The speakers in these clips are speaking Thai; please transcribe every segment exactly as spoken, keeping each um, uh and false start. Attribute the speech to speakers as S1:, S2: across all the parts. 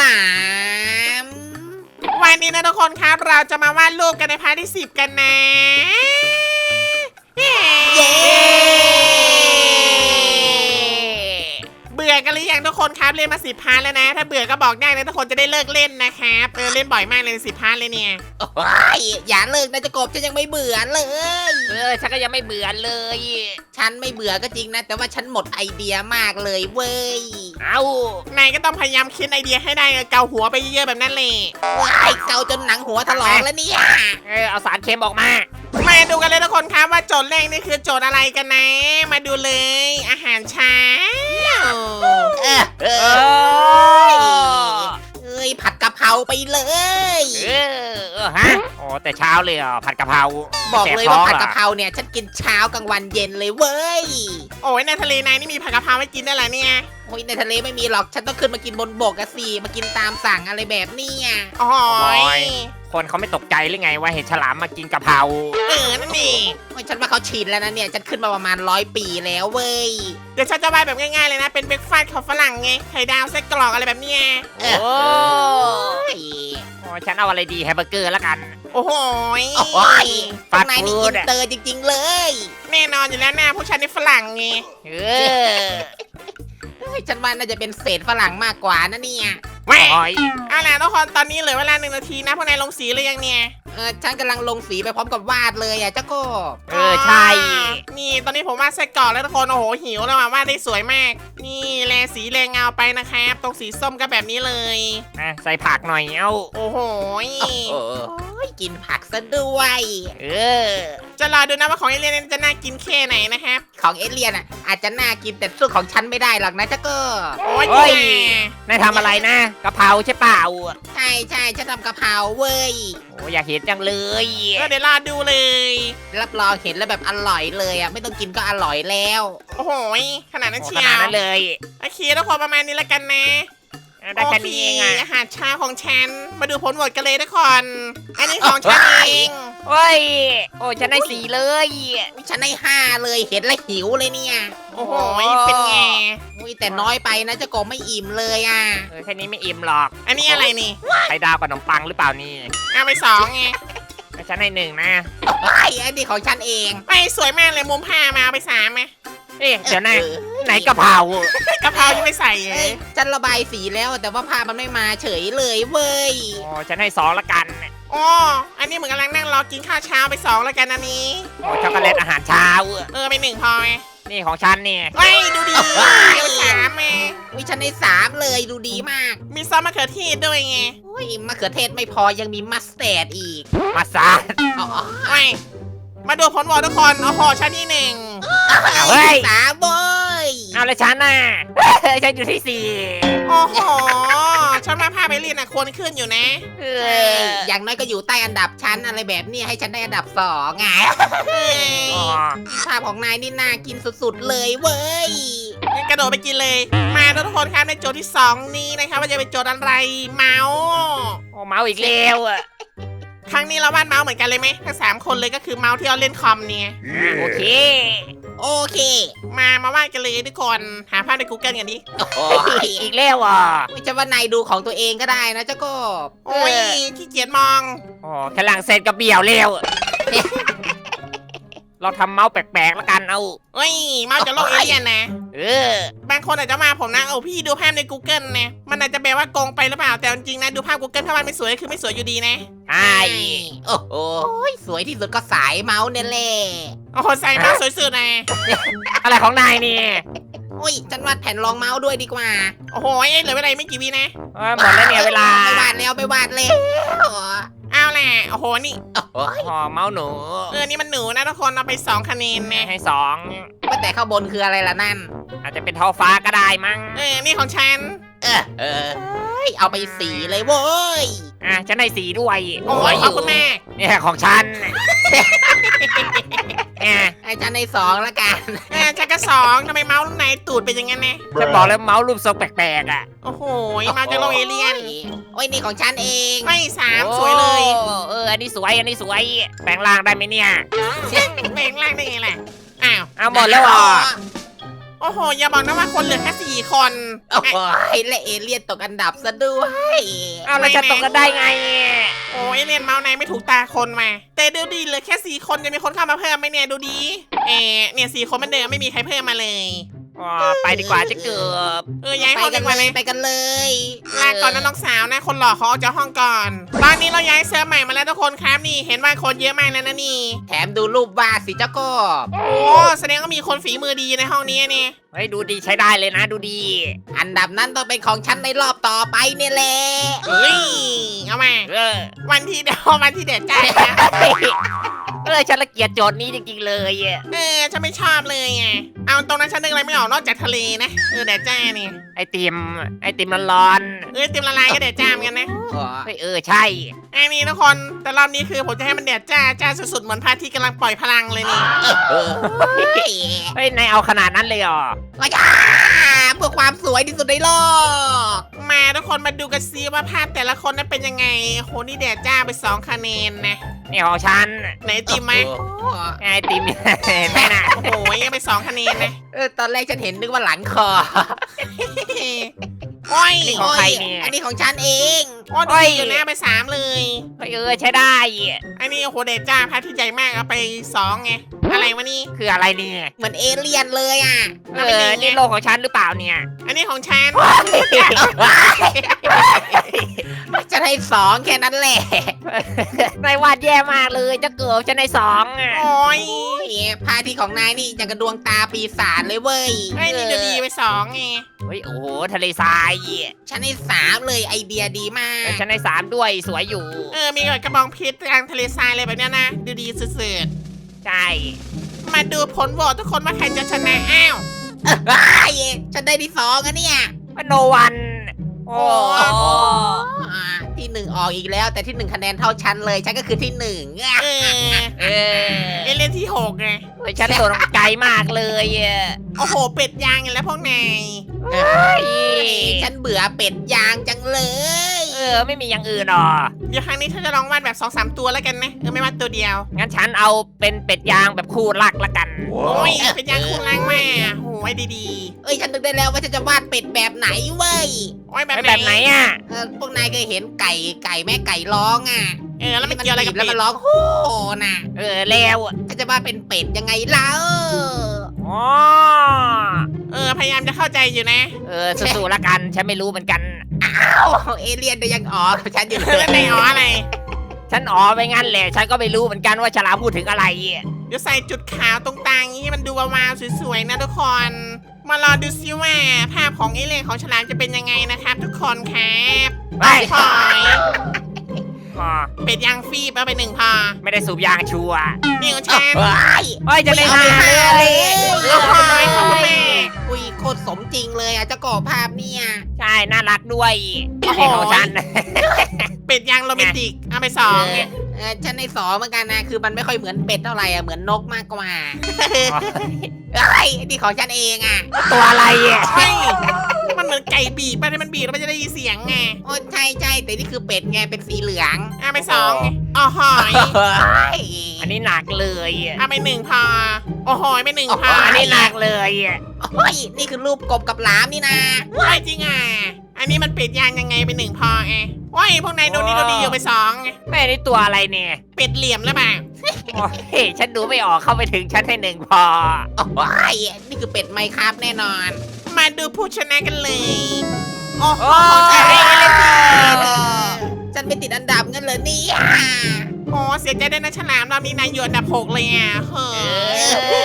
S1: าม
S2: วันนี้นะทุกคนครับเราจะมาวาดรูปกันในพาร์ทที่สิบกันนะเย้เบื่อกันหรือยังทุกคนครับเล่นมาสิบพาร์ทแล้วนะถ้าเบื่อก็บอกได้นะทุกคนจะได้เลิกเล่นนะครับเออเล่นบ่อยมากเลยสิบพาร์ทเลยเนี่ย
S1: โอ้ยอย่าเลิกนะจะกบฉันยังไม่เบื่อเลย
S3: เออฉันก็ยังไม่เบื่อเลย
S1: ฉันไม่เบื่อก็จริงนะแต่ว่าฉันหมดไอเดียมากเลยเว้ย
S3: เอา
S2: นายก็ต้องพยายามคิดไอเดียให้ได้เออเกาหัวไปเยอะๆแบบนั้นเลย
S1: ว้ายเกาจนหนังหัวถลอกแล้วเนี่ย
S3: เออเอาสารเค็มออกมา
S2: มาดูกันเลยทุกคนครับว่าโจทย์แรกนี่คือโจทย์อะไรกันนะ มาดูเลยอาหารเช้า
S1: เออเอ
S3: เอ
S1: อ
S3: อ
S1: เอ้ยผัดกะเพราไปเลย
S3: เออเออฮะโอ้แต่เช้าเลยเหรอผัดกะเพรา
S1: บอกเลยว่าผัดกะเพ
S3: รา
S1: ราเนี่ยฉันกินเช้ากลางวันเย็นเลยเว้ย
S2: โอ้ยในทะเลนายนี่มีผักกะเพราให้กินได้เหรอเนี่ย
S1: โอ้ยในทะเลไม่มีหรอกฉันต้องขึ้นมากินบนบกอะสิมากินตามสั่งอะไรแบบเนี้ย
S2: โอ้ย
S3: คนเขาไม่ตกใจหรือไงว่าเห็นฉลามมากินกะเพรา
S2: เออนั่นนี่
S1: โอ้ยฉันว่าเขาชินแล้วนะเนี่ยฉันขึ้นมาประมาณร้อยปีแล้วเว้ย
S2: เดี๋ยวฉันจะวาดแบบง่ายๆเลยนะ เป็นเบรกฟาสต์ของฝรั่งไงไข่ดาวไส้กรอกอะไรแบบเนี้ย
S1: เอ
S3: โอ้
S1: อ โอ้ย
S3: โอ้ฉันเอาอะไรดีแฮมเบอร์เกอร์แล้วกัน
S2: โอ้โหย
S1: โอ้ย
S3: ฟา
S1: ข้า
S3: ส
S1: ง
S3: ต์
S1: ในนี่
S3: ฟู้
S1: อิ
S3: ด
S1: น
S3: อะ
S1: เตอร์จริง ๆ เลย
S2: แน่นอนอยู่แล้วนะผู้ชายนี่ฝรั่งไง
S3: เออ
S1: เฮ้ยฉันว่าน่าจะเป็นเศษฝรั่งมากกว่านะเนี่ย
S2: แม่
S3: โอ้ย
S2: เอาล่ะทุกคนตอนนี้เหลือเวลาหนึ่งนาทีนะพวกนายลงสีหรือยังเนี่ย
S1: เออฉันกำลังลงสีไปพร้อมกับวาดเลยอ่ะเจ้าโกบ
S3: เออใช่
S2: นี่ตอนนี้ผมวาดไส้กรอกแล้วทุกคนโอ้โหหิวแล้วว่ะวาดได้สวยมาก นี่แลสีแรงเงาไปนะครับตรงสีส้มก็แบบนี้เลย
S3: อ่ะใส่ผักหน่อยเอ้า
S2: โอ้โหย
S1: โอ้โหกินผักซะด้วย
S3: เออ
S2: จะรอดูนะว่าของเอเลียนจะน่ากินแค่ไหนนะครับ
S1: ของเอเลียนอ่ะอาจจะน่ากินแต่สู้ของฉันไม่ได้หรอกนะเจ้าโกบ
S2: โอ้ย
S3: โอ้ย
S2: แย่
S3: นายทำอะไรนะกะเพราใช่เปล่า
S1: ใช่ใช่ฉันทำกะเพราเว้ย
S3: โอ้อยากเห็นจังเลย
S2: ก็เดี๋ยวรอดูเลย
S1: รับรองเห็นแล้วแบบอร่อยเลยอ่ะไม่ต้องกินก็อร่อยแล้ว
S2: โอ้โหยขนาดนั้น
S3: โอ้
S2: เชี
S3: ข
S2: ย
S3: นาด
S2: ว
S3: นั้นเลย
S2: โอเคทุกคนประมาณนี้แล้วกันนะ
S3: ได้แค่นี้เองอ่ะ
S2: โคอาหารเช้าของฉันมาดูผลโหวตกันเลยทุกคนอันนี้ของฉันเอง
S3: โอ้ย โอ้ฉันได้สีเลย
S1: อุ๊ยฉันให้ห้าเลยเห็นแล้วหิวเลยเนี่ย
S2: โอ้โหยเป็นไง
S1: อุ้ยแต่น้อยไปนะเจ้าโกบไม่อิ่มเลยอ่ะ
S3: เออแค่นี้ไม่อิ่มหรอก
S2: อันนี้อะไรนี่
S3: ไข่ดาวกับขนมปังหรือเปล่านี่
S2: เอาไปสองไง
S3: แต่ฉันให้หนึ่งนะ
S1: ไอ้ยอันนี้ของฉันเอง
S2: ไปสวยมากเลยมุมผ้ามาเอาไปสามไหม
S3: เอ๊ะเดี๋ยวนะ
S1: ออ
S3: ไหนกะเพราก
S2: ะเพรายังไม่ใส่เล
S1: เอ้
S2: ย
S1: ยฉันระบายสีแล้วแต่ว่าภาพมันไม่มาเฉยเลยเว้ย
S3: โอ้ฉันให้สองละกัน
S2: อ๋ออันนี้เหมือนกำลังนั่งรอกินข้าวเช้าไปสองแล้วกันอันนี้
S3: โอ้ช็อกโกแลตอาหารเช้า
S2: เออไปหนึ่งพอไง
S3: นี่ของฉันเนี่ย
S2: เฮ้ยดูดีเอาไปสามไง
S1: วิฉันได้สามเลยดูดีมาก
S2: มีซอสมะเขือเทศด้วยไง
S1: อุ้ยมะเขือเทศไม่พอยังมีมัสแตร์ดอีก
S3: มาซาด
S1: อ๋อ
S2: ไปมาดูผลโหวตทุกคนโอ้โหชั้นที่หนึ่ง
S3: เอาเฮ้ย
S1: สามเว้ย
S3: เอาแล้วฉันน่ะ ฉันอยู่ที่สี่
S2: โอ้โหฉันมาพาไปเรียนอ่ะควรขึ้นอยู่นะ
S3: เอ
S1: เอ้ย
S3: อ
S1: อย่างน้อยก็อยู่ใต้อันดับชั้นอะไรแบบนี้ให้ฉันได้อันดับสองไง
S2: เฮ้ย
S3: อ๋อ
S1: ภาพของนายนี่น่ากินสุดๆเลยเว้ย
S2: งั้นกระโดดไปกินเลย มาทุกคนครับในโจทย์ที่สองนี้นะครับว่าจะเป็นโจทย์อะไรเมาส์
S3: โอ้เมาอีกแล้วอ่ะ
S2: ครั้งนี้เราวาดเมาส์เหมือนกันเลยไหมทั้งสามคนเลยก็คือเมาส์ที่เราเล่นคอมเนี่ย
S3: อ่ะโอเค
S1: โอเค
S2: มามาวาดกันเลยทุกคนหาภาพใน Google กันดิ
S1: โอ้ย
S3: อีกแล้วอ่ะ
S1: ไม่ใช่ว่านายดูของตัวเองก็ได้นะเจ้ากบ
S2: โอ้ยขี้เกียจมอง
S3: โอ้แค่หลังเสร็จก็เบี่ยวแล้ว เราทำเมาส์แปลกๆแล้วกันเอา
S2: เฮ้ยเมาส์จากโลกเอเลี่ยนนะ
S3: เออ
S2: บางคนอาจจะมาผมนะโอ้พี่ดูภาพใน Google นะมันอาจจะแปลว่าโกงไปหรือเปล่าแต่จริงๆนะดูภาพ Google ถ้ามันไม่สวยก็คือไม่สวยอยู่ดีนะ
S3: ใช่
S1: โอ้โหสวยที่สุดก็สายเมาส์เนี่ยแหละ
S2: โอ้โหใส่เมาส์สวยสุดนะ
S3: อะไรของนายนี่
S1: โอ้ยฉันวาดแผ่นรองเมาส์ด้วยดีกว่า
S2: โอ้โหเอ้ยเหลือเวลาไม่กี่วินะ
S3: เออหมดแล้วเนี่ยเวลา
S1: ไม่วาดแล้วไม่วาดแล้ว
S2: เอาแหละโอ้โหนี่
S1: โอ้ย
S3: อ๋อเมาส์หนู
S2: เออนี่มันหนูนะทุกคนเอาไปสองคะแนนนะ
S3: ให้สอง
S1: ว่าแต่ข้างบนคืออะไรล่ะนั่น
S3: อาจจะเป็นท้องฟ้าก็ได้มั้ง
S2: เออนี่ของฉัน
S1: เออเออเฮ้ยเอาไปสีเลยเว้ย
S3: อ่ะฉันให้สีด้วย
S2: โอ้ยขอบคุณแม่
S3: เนี่ยของฉันอ่ะ
S1: ให้ฉันในสองละกัน
S2: เออฉันก็สองทำไมเมาส์ไหนตูดเป็นอย่างนั้นนะ
S3: ฉันบอกแล้วเมาส์รูปทรงแปลกๆอ่ะ
S2: โอ้โหเมาส์จากโลกเอเลี่ยน
S1: โอ้ยนี่ของฉันเอง
S2: ไม่สามสวยเลย
S3: โอ้เอออันนี้สวยอันนี้สวยแปลงร่างได้ไหมเนี่ย
S2: แบ่งล่างได้ไงล่ะอ้าว
S3: เอาหมดแล้วเหรอ
S2: โอ้โหอย่าบอกนะว่าคนเหลือแค่สี่คน
S1: โอ้โหและเอเลี่ยนตกอันดับซะด้วย
S3: เอาแล้วจะตกกันได้ไง
S2: โอ้ยเรียนเมาส์ในไม่ถูกตาคนมาแต่ดูดีเหลือแค่สี่คนจะมีคนเข้ามาเพิ่มไหมเนี่ยดูดีเออเนี่ยสี่คนเหมันเดิมไม่มีใครเพิ่มมาเลย
S3: อ๋อไปดีกว่าจะเกือบ
S2: เออย้าย
S1: ไป
S2: ห้อง
S1: กั
S2: ดี
S1: น
S2: กว่า
S1: เล
S2: เลย ย
S1: ไปกันเลย
S2: ลาก่อนนะน้องสาวนะคนหล่อเขาออกจากห้องก่อน ตอนนี้เราย้ายเซิร์ฟใหม่มาแล้วทุกคนครับนี่เห็นว่าคนเยอะมากแล้วนะนี่
S1: แถมดูรูปวาดสิเจ้ากบ
S2: โอ้แสดงว่ามีคนฝีมือดีในห้องนี้เนี่ย
S3: เฮ้ยดูดีใช้ได้เลยนะดูดี
S1: อันดับนั้นต้องเป็นของฉันในรอบต่อไปเนี่ยแหละ
S2: เฮ้ยเอามา
S3: เออ
S2: วันที่เดียววันที่เด็ดจ้า
S3: เออฉันละเกียดโจทย์นี้จริงๆเลยอะ
S2: เออฉันไม่ชอบเลยไงเอาตรงนั้นฉันนึกอะไรไม่ออกนอกจากทะเลนะเออแดดจ้านี่
S3: ไอติมไอติมมันร้อน
S2: เออเต็มละลายก็แดดจ้าเหมือนกันนะ
S1: อ๋อ
S3: เฮ้ยเออใช่
S2: ไอ้นี่ทุกคนแต่รอบนี้คือผมจะให้มันแดดจ้าจ้าสุดๆเหมือนพระอาทิตย์กำลังปล่อยพลังเลยนี่
S1: เออ
S3: เฮ้ยนายเอาขนาดนั้นเลยเหรอ
S1: ว้าเพื่อความสวยที่สุดในโลก
S2: มาทุกคนมาดูกันซิว่าภาพแต่ละคนนั้นเป็นยังไงโหนี่แดดจ้าไปสองคะแนนนะ
S3: นี่ของฉัน
S2: ไหนติมไหม
S1: โอ้
S3: ไอติม เห็นไหมน่ะ
S2: โอ้โหยังไปสองคะแนนนะ
S1: เออตอนแรกฉันเห็นนึกว่าหลังคอ
S2: โอ้ย
S3: นี่ของใครเนี่ย
S1: อันนี้ของฉันเอง
S2: โอ้ดีอยู่นะไปสามเลย
S3: เฮ้ยเออใช้ได้
S2: อันนี้โอ้โหแดดจ้าพระอาทิตย์ใหญ่มากเอาไปสองไงอะไรวะนี่
S3: คืออะไรเนี่ย
S1: เหมือนเอเลี่ยนเลยอ่ะ
S3: เออนี่โลกของฉันหรือเปล่าเนี่ย
S2: อันนี้ของฉัน
S1: ฉันให้สองแค่นั้นแหละ
S3: นายวาดแย่มากเลยจะเกือบฉันในสองอะ
S2: โอ้ย
S1: โอ้ยพาที่ของนายนี่อย่างกระดวงตาปีศาจเลยเว้ย
S2: ไอ้นี่เดี๋ยวดีไปสองไง
S3: เฮ้ยโอ้โหทะเลทราย
S1: ฉันให้สามเลยไอเดียดีมา
S3: เออก ฉันในสามด้วยสวยอยู่
S2: เออมีกระบองเพชรกลางทะเลทรายอะไรแบบเนี้ยนะดูดีสุด
S3: ใช่
S2: ๆมาดูผลโหวตทุกคนว่าใครจะชนะอ้าว
S1: ไอ้ยฉันได้ที่สองอะเนี่ย
S3: โนวันโอ้
S1: อ่าที่หนึ่งออกอีกแล้ว แต่ที่หนึ่งคะแนนเท่าฉันเลย ฉันก็คือที่หนึ่งอะ
S2: เออ
S3: เออ
S2: เอเล่นที่หกไง
S3: เฮ้ยฉันโดนไกลมากเลยอะ
S2: โอ้โหเป็ดยางอย่างแล้วพวกนาย
S3: เฮ้ย
S1: ฉันเบื่อเป็ดยางจังเลย
S3: เออไม่มีอย่างอื่นหรอ
S2: เดี๋ยวครั้งนี้ฉันจะลองวาดแบบสองสามตัวแล้วกันนะเออไม่วาดตัวเดียว
S3: งั้นฉันเอาเป็นเป็ดยางแบบคู่รักละกัน
S2: โอ้ยเป็ดยางคู่ล่างแม่โอ้ยดี
S1: เอ้ยฉันนึกได้แล้วว่าฉันจะวาดเป็ดแบบไหนเว้ย
S2: ๆโอ้ยแบบ
S3: ไม่
S2: ไหน
S3: แบบไหนอ่ะ
S1: เออพวกนายเคยเห็นไก่ไก่แม่ไก่ร้องอ่ะ
S2: เออแล้วมันเกี่ยวอะไรกับ
S1: แล้ว
S2: เป็
S1: มั
S2: ด
S1: นร้องโฮ่น่ะ
S3: เออแล้ว
S1: ฉันจะวาดเป็นเป็ดยังไงเล่า
S3: อ๋อ
S2: เออพยายามจะเข้าใจอยู่นะ
S3: เออสู้ๆละกันฉันไม่รู้เหมือนกัน
S1: เอ้าเอเลี่ยนเดี๋ยวยังอ๋อกับฉันอยู่เล
S2: แล้วใน
S1: ย
S2: อ๋ออะไร
S3: ฉันอ๋อไปงั้นแหละฉันก็ไม่รู้เหมือนกันว่าฉลามพูดถึงอะไร
S2: เดี๋ยวใส่จุดขาวตรงกลางนี้ให้มันดูวาวๆสวยๆนะทุกคน มารอดูซิว่าภาพของเอเลี่ยนของฉลามจะเป็นยังไงนะครับ ทุกคนครับ
S3: ไป
S2: พอย
S3: อ๋อ
S2: เป็ดยางฟีบเอาไปหนึ่งพอ
S3: ไม่ได้สูบยางชัวร์
S2: นี่ของฉัน
S1: เฮ้ย
S3: เฮ้ยจะได้
S1: ไม่
S3: ห้า
S1: เอาไป
S3: เลย
S1: ห้าเลย
S2: เอาพอยขอบคุณแม่
S1: อุ้ยโคตรสมจริงเลยอ่ะเจ้าก่อภาพเนี่ย
S3: ใช่น่ารักด้วย
S2: โอ้โห
S3: นี่ของฉัน
S2: เป็ดยางโรแมนติกเอาไปสองไง
S1: เออฉันในสองเหมือนกันนะ คือมันไม่ค่อยเหมือนเป็ดเท่าไหร่อ่ะ เหมือนนกมากกว่าเอ้ยนี่ของฉันเองอ่ะ
S3: ตัวอะไรอ่ะ
S2: เฮ้ยมันเหมือนไก่บีบไปที่มันบีบแล้วมันจะได้ยินเสียงไง
S1: โอ้ใช่ใช่แต่นี่คือเป็ดไง เป็นสีเหลือง
S2: เอาไปสองไงอ๋อหอย
S1: เฮ้ย
S3: อันนี้หนักเลยอ่ะ
S2: เอาไปหนึ่งพอโอ้โหยไปหนึ่งพอ
S3: อันนี้หนักเลยอ่ะ
S1: เฮ้ยนี่คือรูปกบกับหลามนี่นะ
S2: ไม่จริงอ่ะ อันนี้มันเป็ดยางยังไงไปหนึ่งพอไงโอ้ยพวกนายดูนี่ดูดีอยู่ไปสองไง
S3: แม่นี่ตัวอะไรเนี่ย
S2: เป็ดเหลี่ยมหรือเปล่า
S3: โอ้ยฉันดูไม่ออกเข้าไปถึงชั้นให้หนึ่งพอ
S1: โอ้ยนี่คือเป็ดไมค์ครับแน่นอน
S2: มาดูผู้ชนะกันเลย โอ้โห
S3: โอ้
S2: ใช่
S3: ย
S2: เลยสิ
S1: ฉันเป็นติดอันดับงั้นเลยเนี่ย
S2: โอ้เสียใจด้วยนะฉลามรอบนี้นายอยู่อันดับหกเลยอ่ะเฮ้ย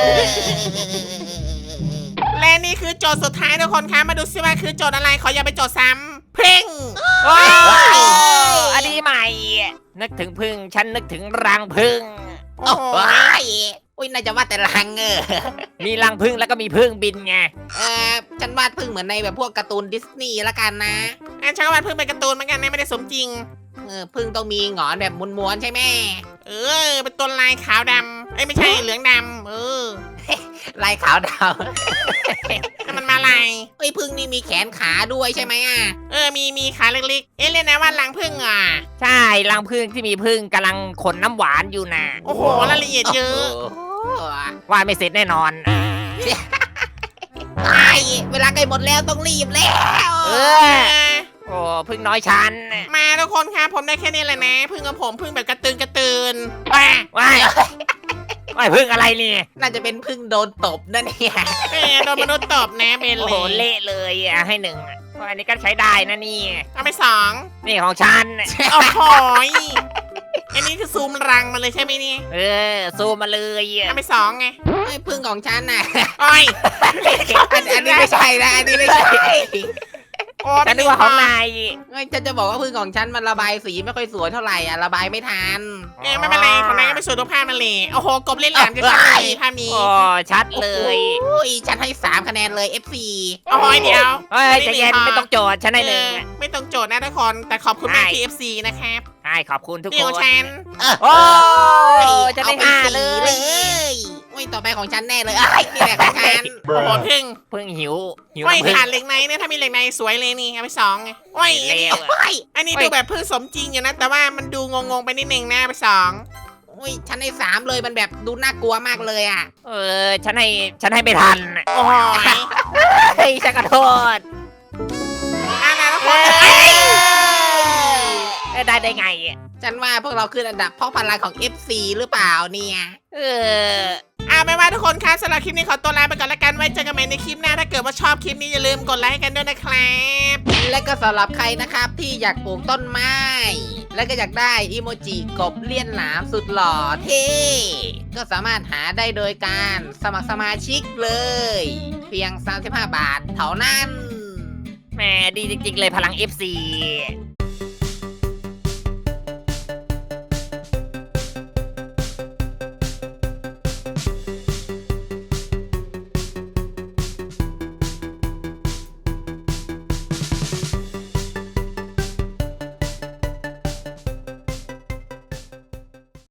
S2: และนี่คือโจทย์สุดท้ายทุกคนคะมาดูซิว่าคือโจทย์อะไรขออย่าไปโจทย์ซ้ำเพ่ง
S3: โอ้อันนี้ใหม่ นึกถึงพึ่งฉันนึกถึงรังพึ่ง
S2: โอ้
S1: โอ้
S2: โห
S1: ยอุ้ยน่าจะวาดแต่ลังเออ
S3: มีรังพึ่งแล้วก็มีพึ่งบินไง
S1: เออฉันวาดพึ่งเหมือนในแบบพวกการ์ตูนดิสนีย์ละกันนะ
S2: อันฉันก็วาดเพิ่งเป็นการ์ตูนเหมือนกันนะไม่ได้สมจริง
S1: เออพึ่งต้องมีหงอนแบบม้วนๆใช่ไหม
S2: เออ เป็นตัวลายขาวดำเอ้ยไม่ใช่เหลืองดำเออ
S1: ลายขาวด
S2: นั่นมันมาลาย
S1: ำเอ้ยพึ่งนี่มีแขนขาด้วยใช่ไหมอ่ะ
S2: เออ มี มีขาเล็กๆ เอ๊ะเรียกนะว่ารังผึ้งอ่ะ
S3: ใช่รังพึ่งที่มีพึ่งกำลังขนน้ำหวานอยู่นะ
S2: โอ้โห รายละเอียดเยอะ
S1: โอ้โห
S3: ว่าไม่เสร็จแน่นอน
S1: ไอ้หมดแล้วต้องรีบแล้ว
S3: เอ
S2: เอ
S3: อ
S2: อ
S3: โอ้พึ่งน้อยฉัน
S2: มาทุกคนครับผมได้แค่นี้แหละนะพึ่งกับผมพึ่งแบบกระตือนกระตือนว้า
S3: ว้ายว้ายพึ่งอะไรนี่
S1: น่าจะเป็นพึ่งโดนตบนั่นเนี่ย
S2: เออโดนมนุษย์ตบนะเบน
S3: โอ้
S2: เล
S3: โห
S2: ย
S3: เละเลยอ่ะให้หนึ่งอ่ะอันนี้ก็ใช้ได้นะนี่
S2: เอาไปสอง
S3: นี่ของฉัน
S2: โอ้โหยอันนี้คือซูมรังมาเลยใช่ไหมเนี่ย
S3: เออซูมมาเลยอ่ะ
S2: เอาไปสองไง
S1: ไอ้พึ่งของฉันน่ะ
S2: โอ้ย
S1: อันอันนี้ไม่ใช่นะอันนี้ไม่ใช่
S2: โอ้
S3: ฉันนึกว่าของนาย
S1: เฮ้ยฉันจะบอกว่าพึ่งของฉันมันระบายสีไม่ค่อยสวยเท่าไหร่อ่ะระบายไม่ทัน
S2: เออไม่เป็นไรของนายก็ไม่สวยทุกภาพมันเลยโอ้โหกบเล่นแหลมจะชัดเลยภาพนี้
S3: โอ้ชัดเลย
S1: โอ้ยฉันให้สามคะแนนเลย เอฟ ซี
S2: โอ้ยเดี๋ยว
S3: เฮ้ยใจเย็นไม่ต้องโจทย์ฉันให้หนึ่ง
S2: เออไม่ต้องโจทย์นะทุกคนแต่ขอบคุณมากที่ เอฟ ซี นะครับ
S3: ใช่ขอบคุณทุก
S2: นี่
S3: ค
S2: ขอน งฉัน
S3: โอ้จะได้
S1: เอาป
S3: ห้า
S1: สี
S3: เลย
S1: โอ้ยต่อไปของฉันแน่เลยไอ้ยนี่แหละของฉัน
S2: โอ้โหพึ่ง
S3: เพิ่งหิวหิว
S2: โอ้ย
S3: น้ำผึ้ง
S2: ขาดเหล็กในเนี่ยถ้ามีเหล็กในสวยเลยนี่เอาไปสองไงโอ้ยอันนี้
S3: เลว
S1: โอ้ย
S2: อันนี้
S3: เฮ้ย
S2: ดูแบบพึ่งสมจริงอยู่นะ แต่ว่ามันดูงงๆไปนิดนึงนะเอาไปสอง
S1: โอ้ยฉันให้สามเลยมันแบบดูน่ากลัวมากเลยอ่ะ
S3: เออฉันให้ฉันให้ไม่ทัน
S2: โอ้ย
S3: เฮ้ยฉันขอโทษ
S2: อ่ะนะทุกคน
S3: เอ้
S2: เอ้ย
S3: ได้ได้ไง
S1: ฉันว่าพวกเราขึ้นอันดับเพราะพลังของ เอฟ ซี หรือเปล่าเนี่ย
S3: เออ
S2: อ่ะไม่ว่าทุกคนครับสำหรับคลิปนี้ขอตัวลาไปก่อนละกันไว้เจอกันใหม่ในคลิปหน้าถ้าเกิดว่าชอบคลิปนี้อย่าลืมกดไลค์ให้กันด้วยนะครับ
S1: และก็สำหรับใครนะครับที่อยากปลูกต้นไม้ และก็อยากได้อีโมจิกบเลี่ยนหลามสุดหล่อเท่ก็สามารถหาได้โดยการสมัครสมาชิกเลย เพียง สามสิบห้า บาทเท่านั้น
S3: แหมดีจริงๆเลยพลัง เอฟ ซี